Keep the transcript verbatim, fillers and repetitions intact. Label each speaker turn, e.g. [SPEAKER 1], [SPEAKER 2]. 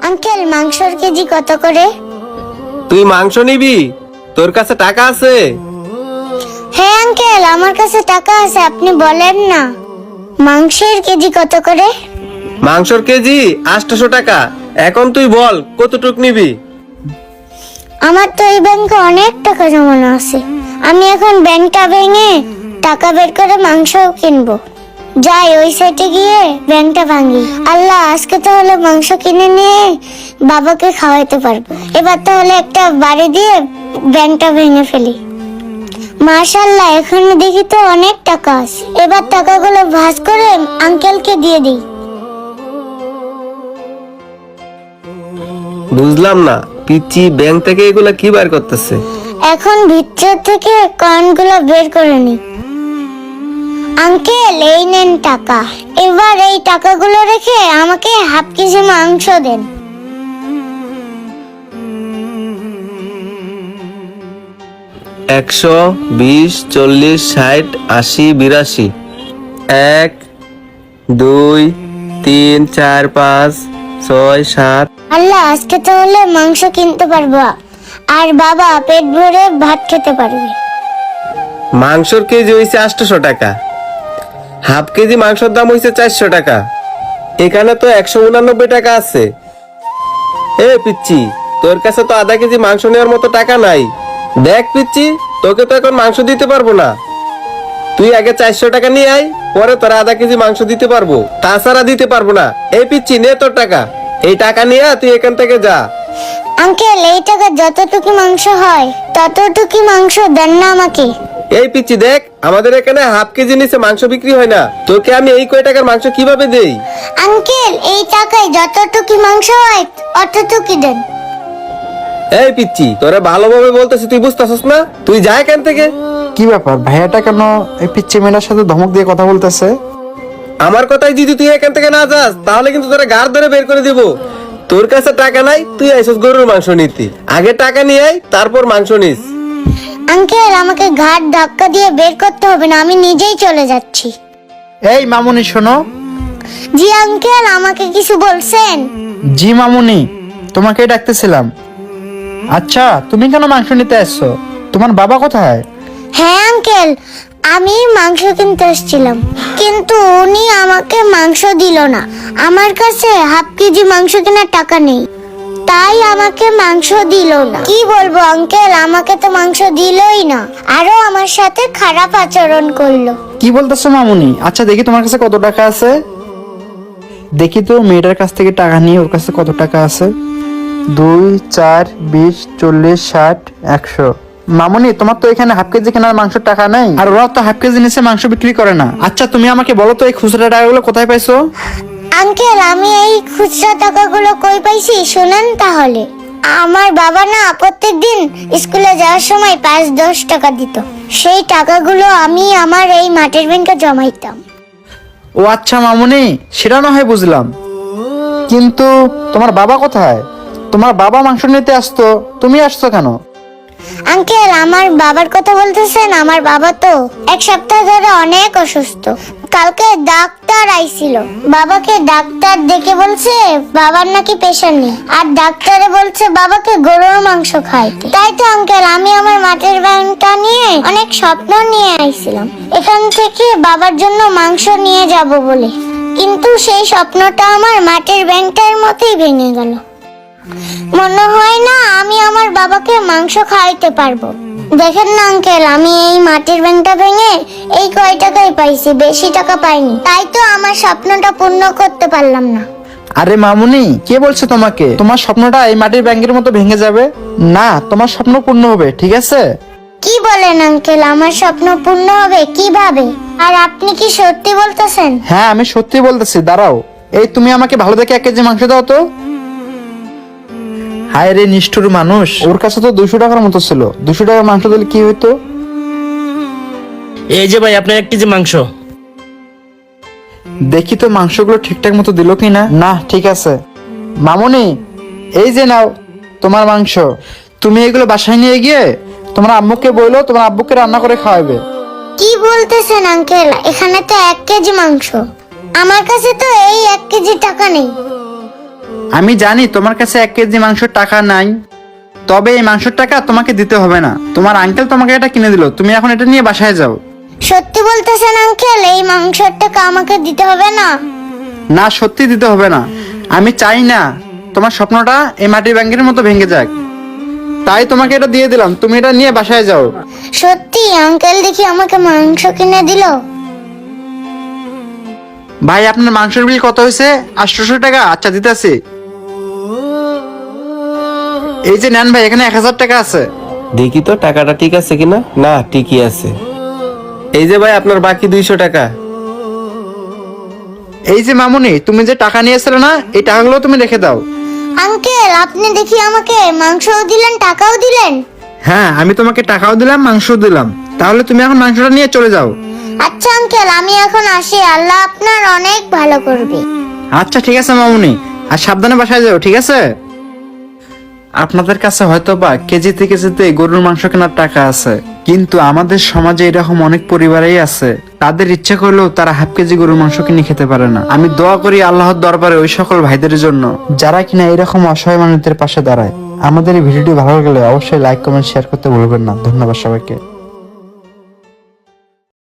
[SPEAKER 1] Uncle মাংসর KG কত করে?
[SPEAKER 2] তুই মাংস নিবি? তোর কাছে টাকা আছে?
[SPEAKER 1] হ্যাঁ আঙ্কেল, আমার কাছে টাকা আছে, আপনি বলেন না। মাংসের কেজি কত করে?
[SPEAKER 2] মাংসর কেজি আটশো টাকা। এখন তুই বল কতটুক নিবি?
[SPEAKER 1] আমার তো এই ব্যাংকে অনেক টাকা জমানো আছে, আমি এখন ব্যাংকটা ভেঙে টাকা বের করে মাংস কিনবো। যাই ওই সাইডে গিয়ে ব্যাংকটা ভাঙি। আল্লাহ, আজকে তাহলে মাংস কিনে নিয়ে বাবাকে খাওয়াইতে পারবো। এবার তাহলে একটা বাড়ি দিয়ে ব্যাংকটা ভেঙে ফেলি। মাশাআল্লাহ, এখানে দেখি তো অনেক টাকা আছে। এবার টাকাগুলো ভাঁজ করে আঙ্কেলকে দিয়ে দিই।
[SPEAKER 2] বুঝলাম না, পিচ্ছি ব্যাংক থেকে এগুলা কি বার করতেছে?
[SPEAKER 1] এখন ভিতর থেকে কয়েনগুলো বের করে নি। আঙ্কেল, এই নেন টাকা। এবার এই টাকাগুলো রেখে আমাকে হাফ কেজি মাংস দেন।
[SPEAKER 2] একশো, বিশ, চল্লিশ, ষাট, আশি, বিরাশি। এক, দুই, তিন, চার, পাঁচ, ছয়, সাত।
[SPEAKER 1] আল্লাহ, আজকে তাহলে মাংস কিনতে পারবো আর বাবা পেট ভরে ভাত খেতে পারবে।
[SPEAKER 2] মাংসর কেজি হইছে আটশো টাকা, হাফ কেজি মাংসের দাম হইছে চারশো টাকা। এখানে তো একশো উনানব্বই টাকা আছে। এ পিচ্ছি, তোর কাছে তো আধা কেজি মাংস নেওয়ার মতো টাকা নাই। দেখ পিচ্ছি, তোকে তো এখন মাংস দিতে পারবো না। তুই আগে চারশো টাকা নিয়ে আয়, পরে তোর আধা কেজি মাংস দিতে পারবো, তাছাড়া দিতে পারবো না। এই পিচ্ছি, নে তোর টাকা। এই টাকা নিয়ে তুই এখান থেকে যা।
[SPEAKER 1] আঙ্কেল, এই টাকা যতটুকু মাংস হয় ততটুকু মাংস দেন না আমাকে।
[SPEAKER 2] এই পিচ্ছি দেখ, আমাদের এখানে হাফ কেজি নিচে মাংস বিক্রি হয় না। তোকে আমি এই কয় টাকার মাংস কিভাবে দেই?
[SPEAKER 1] আঙ্কেল, এই টাকায় যতটুকু মাংস হয় অতটুকু দেন।
[SPEAKER 2] এই পিচ্ছি, তোরা ভালোভাবে বলতেছি, তুই বুঝতেছিস না? তুই যা এখান থেকে।
[SPEAKER 3] কি ব্যাপার, ভাইয়াটা কেন এই পিচ্চি মেয়েটার সাথে ধমক দিয়ে কথা বলতেছে?
[SPEAKER 2] আমার কথাই যদি তুই এখান থেকে না যাস, তাহলে কিন্তু তোরা গাড় ধরে বের করে দিব। তোর কাছে টাকা নাই, তুই আইসস গরুর মাংস নিতি। আগে টাকা নিয়ে আয়, তারপর মাংস নিস।
[SPEAKER 1] আঙ্কেল, আমাকে ঘাট ধাক্কা দিয়ে বের করতে হবে না, আমি নিজেই চলে যাচ্ছি।
[SPEAKER 3] এই মামুনি শোনো।
[SPEAKER 1] জি আঙ্কেল, আমাকে কিছু বলছেন?
[SPEAKER 3] জি মামুনি, তোমাকে ডাকতেছিলাম। আচ্ছা, তুমি কেন মাংস নিতে আসছো? তোমার বাবা কোথায়?
[SPEAKER 1] হ্যাঁ আঙ্কেল, আমি মাংস কিনতে এসেছিলাম, কিন্তু উনি আমাকে মাংস দিল না। আমার কাছে হাফ কেজি মাংস কেনার টাকা নেই, তাই আমাকে মাংস দিল না। কি বলবো আঙ্কেল, আমাকে তো মাংস দিলই না, আরো আমার সাথে খারাপ আচরণ করলো।
[SPEAKER 3] কি বলতেছো মামুনি? আচ্ছা দেখি তোমার কাছে কত টাকা আছে। দেখি তো মেয়েটার কাছ থেকে টাকা নিয়ে ওর কাছে কত টাকা আছে। দুই, চার, বিশ, চল্লিশ, ষাট, একশো। মামুনি, তোমার তো এখানে হাফ কেজি কেনার মাংসের টাকা নেই, আর ওরা তো হাফ কেজি নিচে মাংস বিক্রি করে না। আচ্ছা তুমি আমাকে বলো তো এই খুচরা টাকাগুলো কোথায় পাইছো?
[SPEAKER 1] আঙ্কেল, আমি এই খুচরা টাকাগুলো কই পাইছি শুনেন তাহলে। আমার বাবা না প্রত্যেকদিন স্কুলে যাওয়ার সময় পাঁচ দশ টাকা দিত, সেই টাকাগুলো আমি আমার এই মাটির ব্যাংকে জমাইতাম।
[SPEAKER 3] ও আচ্ছা মামুনি, সেটা না হয় বুঝলাম, কিন্তু তোমার বাবা কোথায়? তোমার বাবা মাংস নিতে আসতো, তুমি আসছো কেন?
[SPEAKER 1] আঙ্কেল, আমার বাবার কথা বলতেছেন? আমার বাবা তো এক সপ্তাহ ধরে অনেক অসুস্থ। কালকে ডাক্তার আইছিল, বাবাকে ডাক্তার দেখে বলছে বাবার নাকি প্রেশার নেই, আর ডাক্তারে বলছে বাবাকে গরুর মাংস খাইতে। তাই তো আঙ্কেল, আমি আমার মাটির ব্যাংকটা নিয়ে অনেক স্বপ্ন নিয়ে আইছিলাম এখান থেকে বাবার জন্য মাংস নিয়ে যাব বলে, কিন্তু সেই স্বপ্নটা আমার মাটির ব্যাংকটার মতোই ভেঙে গেল। মনে হয় না আমি আমার বাবাকে মাংস খাওয়াইতে পারবো। দেখেন না আঙ্কেল, আমি এই মাটির ব্যাংকটা ভেঙে এই কয় টাকাই পাইছি, বেশি টাকা পাইনি, তাই তো আমার স্বপ্নটা পূর্ণ করতে পারলাম না।
[SPEAKER 3] আরে মামুনি, কে বলছে তোমাকে তোমার স্বপ্নটা এই মাটির ব্যাংকের মতো ভেঙে যাবে? না, তোমার স্বপ্ন পূর্ণ হবে, ঠিক আছে?
[SPEAKER 1] কি বলেন আঙ্কেল, আমার স্বপ্ন পূর্ণ হবে কিভাবে? আর আপনি কি সত্যি বলতেছেন?
[SPEAKER 3] হ্যাঁ, আমি সত্যি বলতেছি, দাঁড়াও। এই তুমি আমাকে ভালো দেখে এক কেজি মাংস দাও তো। হায় রে নিষ্ঠুর মানুষ, ওর কাছে তো দুশো টাকার মতো ছিল, দুশো টাকার মাংস দিলে কি হইতো?
[SPEAKER 4] এই যে ভাই, আপনার এক কেজি মাংস।
[SPEAKER 3] দেখি তো মাংসগুলো ঠিকঠাক মতো দিল কিনা। না, ঠিক আছে। মামুনি, এই যে নাও তোমার মাংস। তুমি এগুলো বাসায় নিয়ে গিয়ে তোমার আম্মুকে বললো, তোমার আব্বুকে রান্না করে খাওয়াবে।
[SPEAKER 1] কি বলতেছেন আঙ্কেল, এখানে তো এক কেজি মাংস, আমার কাছে তো এই এক কেজি টাকা নেই।
[SPEAKER 3] আমি জানি তোমার কাছে এক কেজি মাংসের টাকা নাই, তবে এই মাংসের টাকা তোমাকে দিতে হবে না। তোমার আঙ্কেল তোমাকে এটা কিনে দিল, তুমি এখন এটা নিয়ে বাসায় যাও।
[SPEAKER 1] সত্যি বলতেছেন আঙ্কেল, এই মাংসের টাকা আমাকে দিতে হবে না?
[SPEAKER 3] না, সত্যি দিতে হবে না। আমি চাই না তোমার স্বপ্নটা এই মাটির ব্যাংকের মতো ভেঙে যাক, তাই তোমাকে এটা দিয়ে দিলাম, তুমি এটা নিয়ে বাসায় যাও।
[SPEAKER 1] সত্যি আঙ্কেল দেখি আমাকে মাংস কিনে দিল।
[SPEAKER 3] ভাই, আপনার মাংসের বিল কত হয়েছে? আটশোশো টাকা। আচ্ছা, দিতেছি। এই যে নেন ভাই, এখানে এক হাজার টাকা আছে।
[SPEAKER 2] দেখি তো টাকাটা ঠিক আছে কিনা। না, ঠিকই আছে। এই যে ভাই আপনার বাকি দুইশো টাকা।
[SPEAKER 3] এই যে মামুনি, তুমি যে টাকা নিয়েছিলে না, এই টাকাগুলো তুমি রেখে দাও।
[SPEAKER 1] আঙ্কেল আপনি দেখি আমাকে মাংসও দিলেন টাকাও দিলেন।
[SPEAKER 3] হ্যাঁ, আমি তোমাকে টাকাও দিলাম, মাংসও দিলাম। তাহলে তুমি এখন মাংসটা নিয়ে চলে যাও।
[SPEAKER 1] আচ্ছা আঙ্কেল, আমি এখন আসি, আল্লাহ আপনার অনেক ভালো করবে।
[SPEAKER 3] আচ্ছা ঠিক আছে মামুনি, আর সাবধানে বাসায় যাও, ঠিক আছে? আপনাদের কাছে হয়তো বা কেজিতে কেজিতে গরুর মাংস কেনার টাকা আছে, কিন্তু আমাদের সমাজে এরকম অনেক পরিবারই আছে, তাদের ইচ্ছা করলেও তারা হাফ কেজি গরুর মাংস কিনে খেতে পারে না। আমি দোয়া করি আল্লাহর দরবারে ওই সকল ভাইদের জন্য যারা কিনা এরকম অসহায় মানুষদের পাশে দাঁড়ায়। আমাদের এই ভিডিওটি ভালো লাগলে অবশ্যই লাইক কমেন্ট শেয়ার করতে ভুলবেন না। ধন্যবাদ সবাইকে।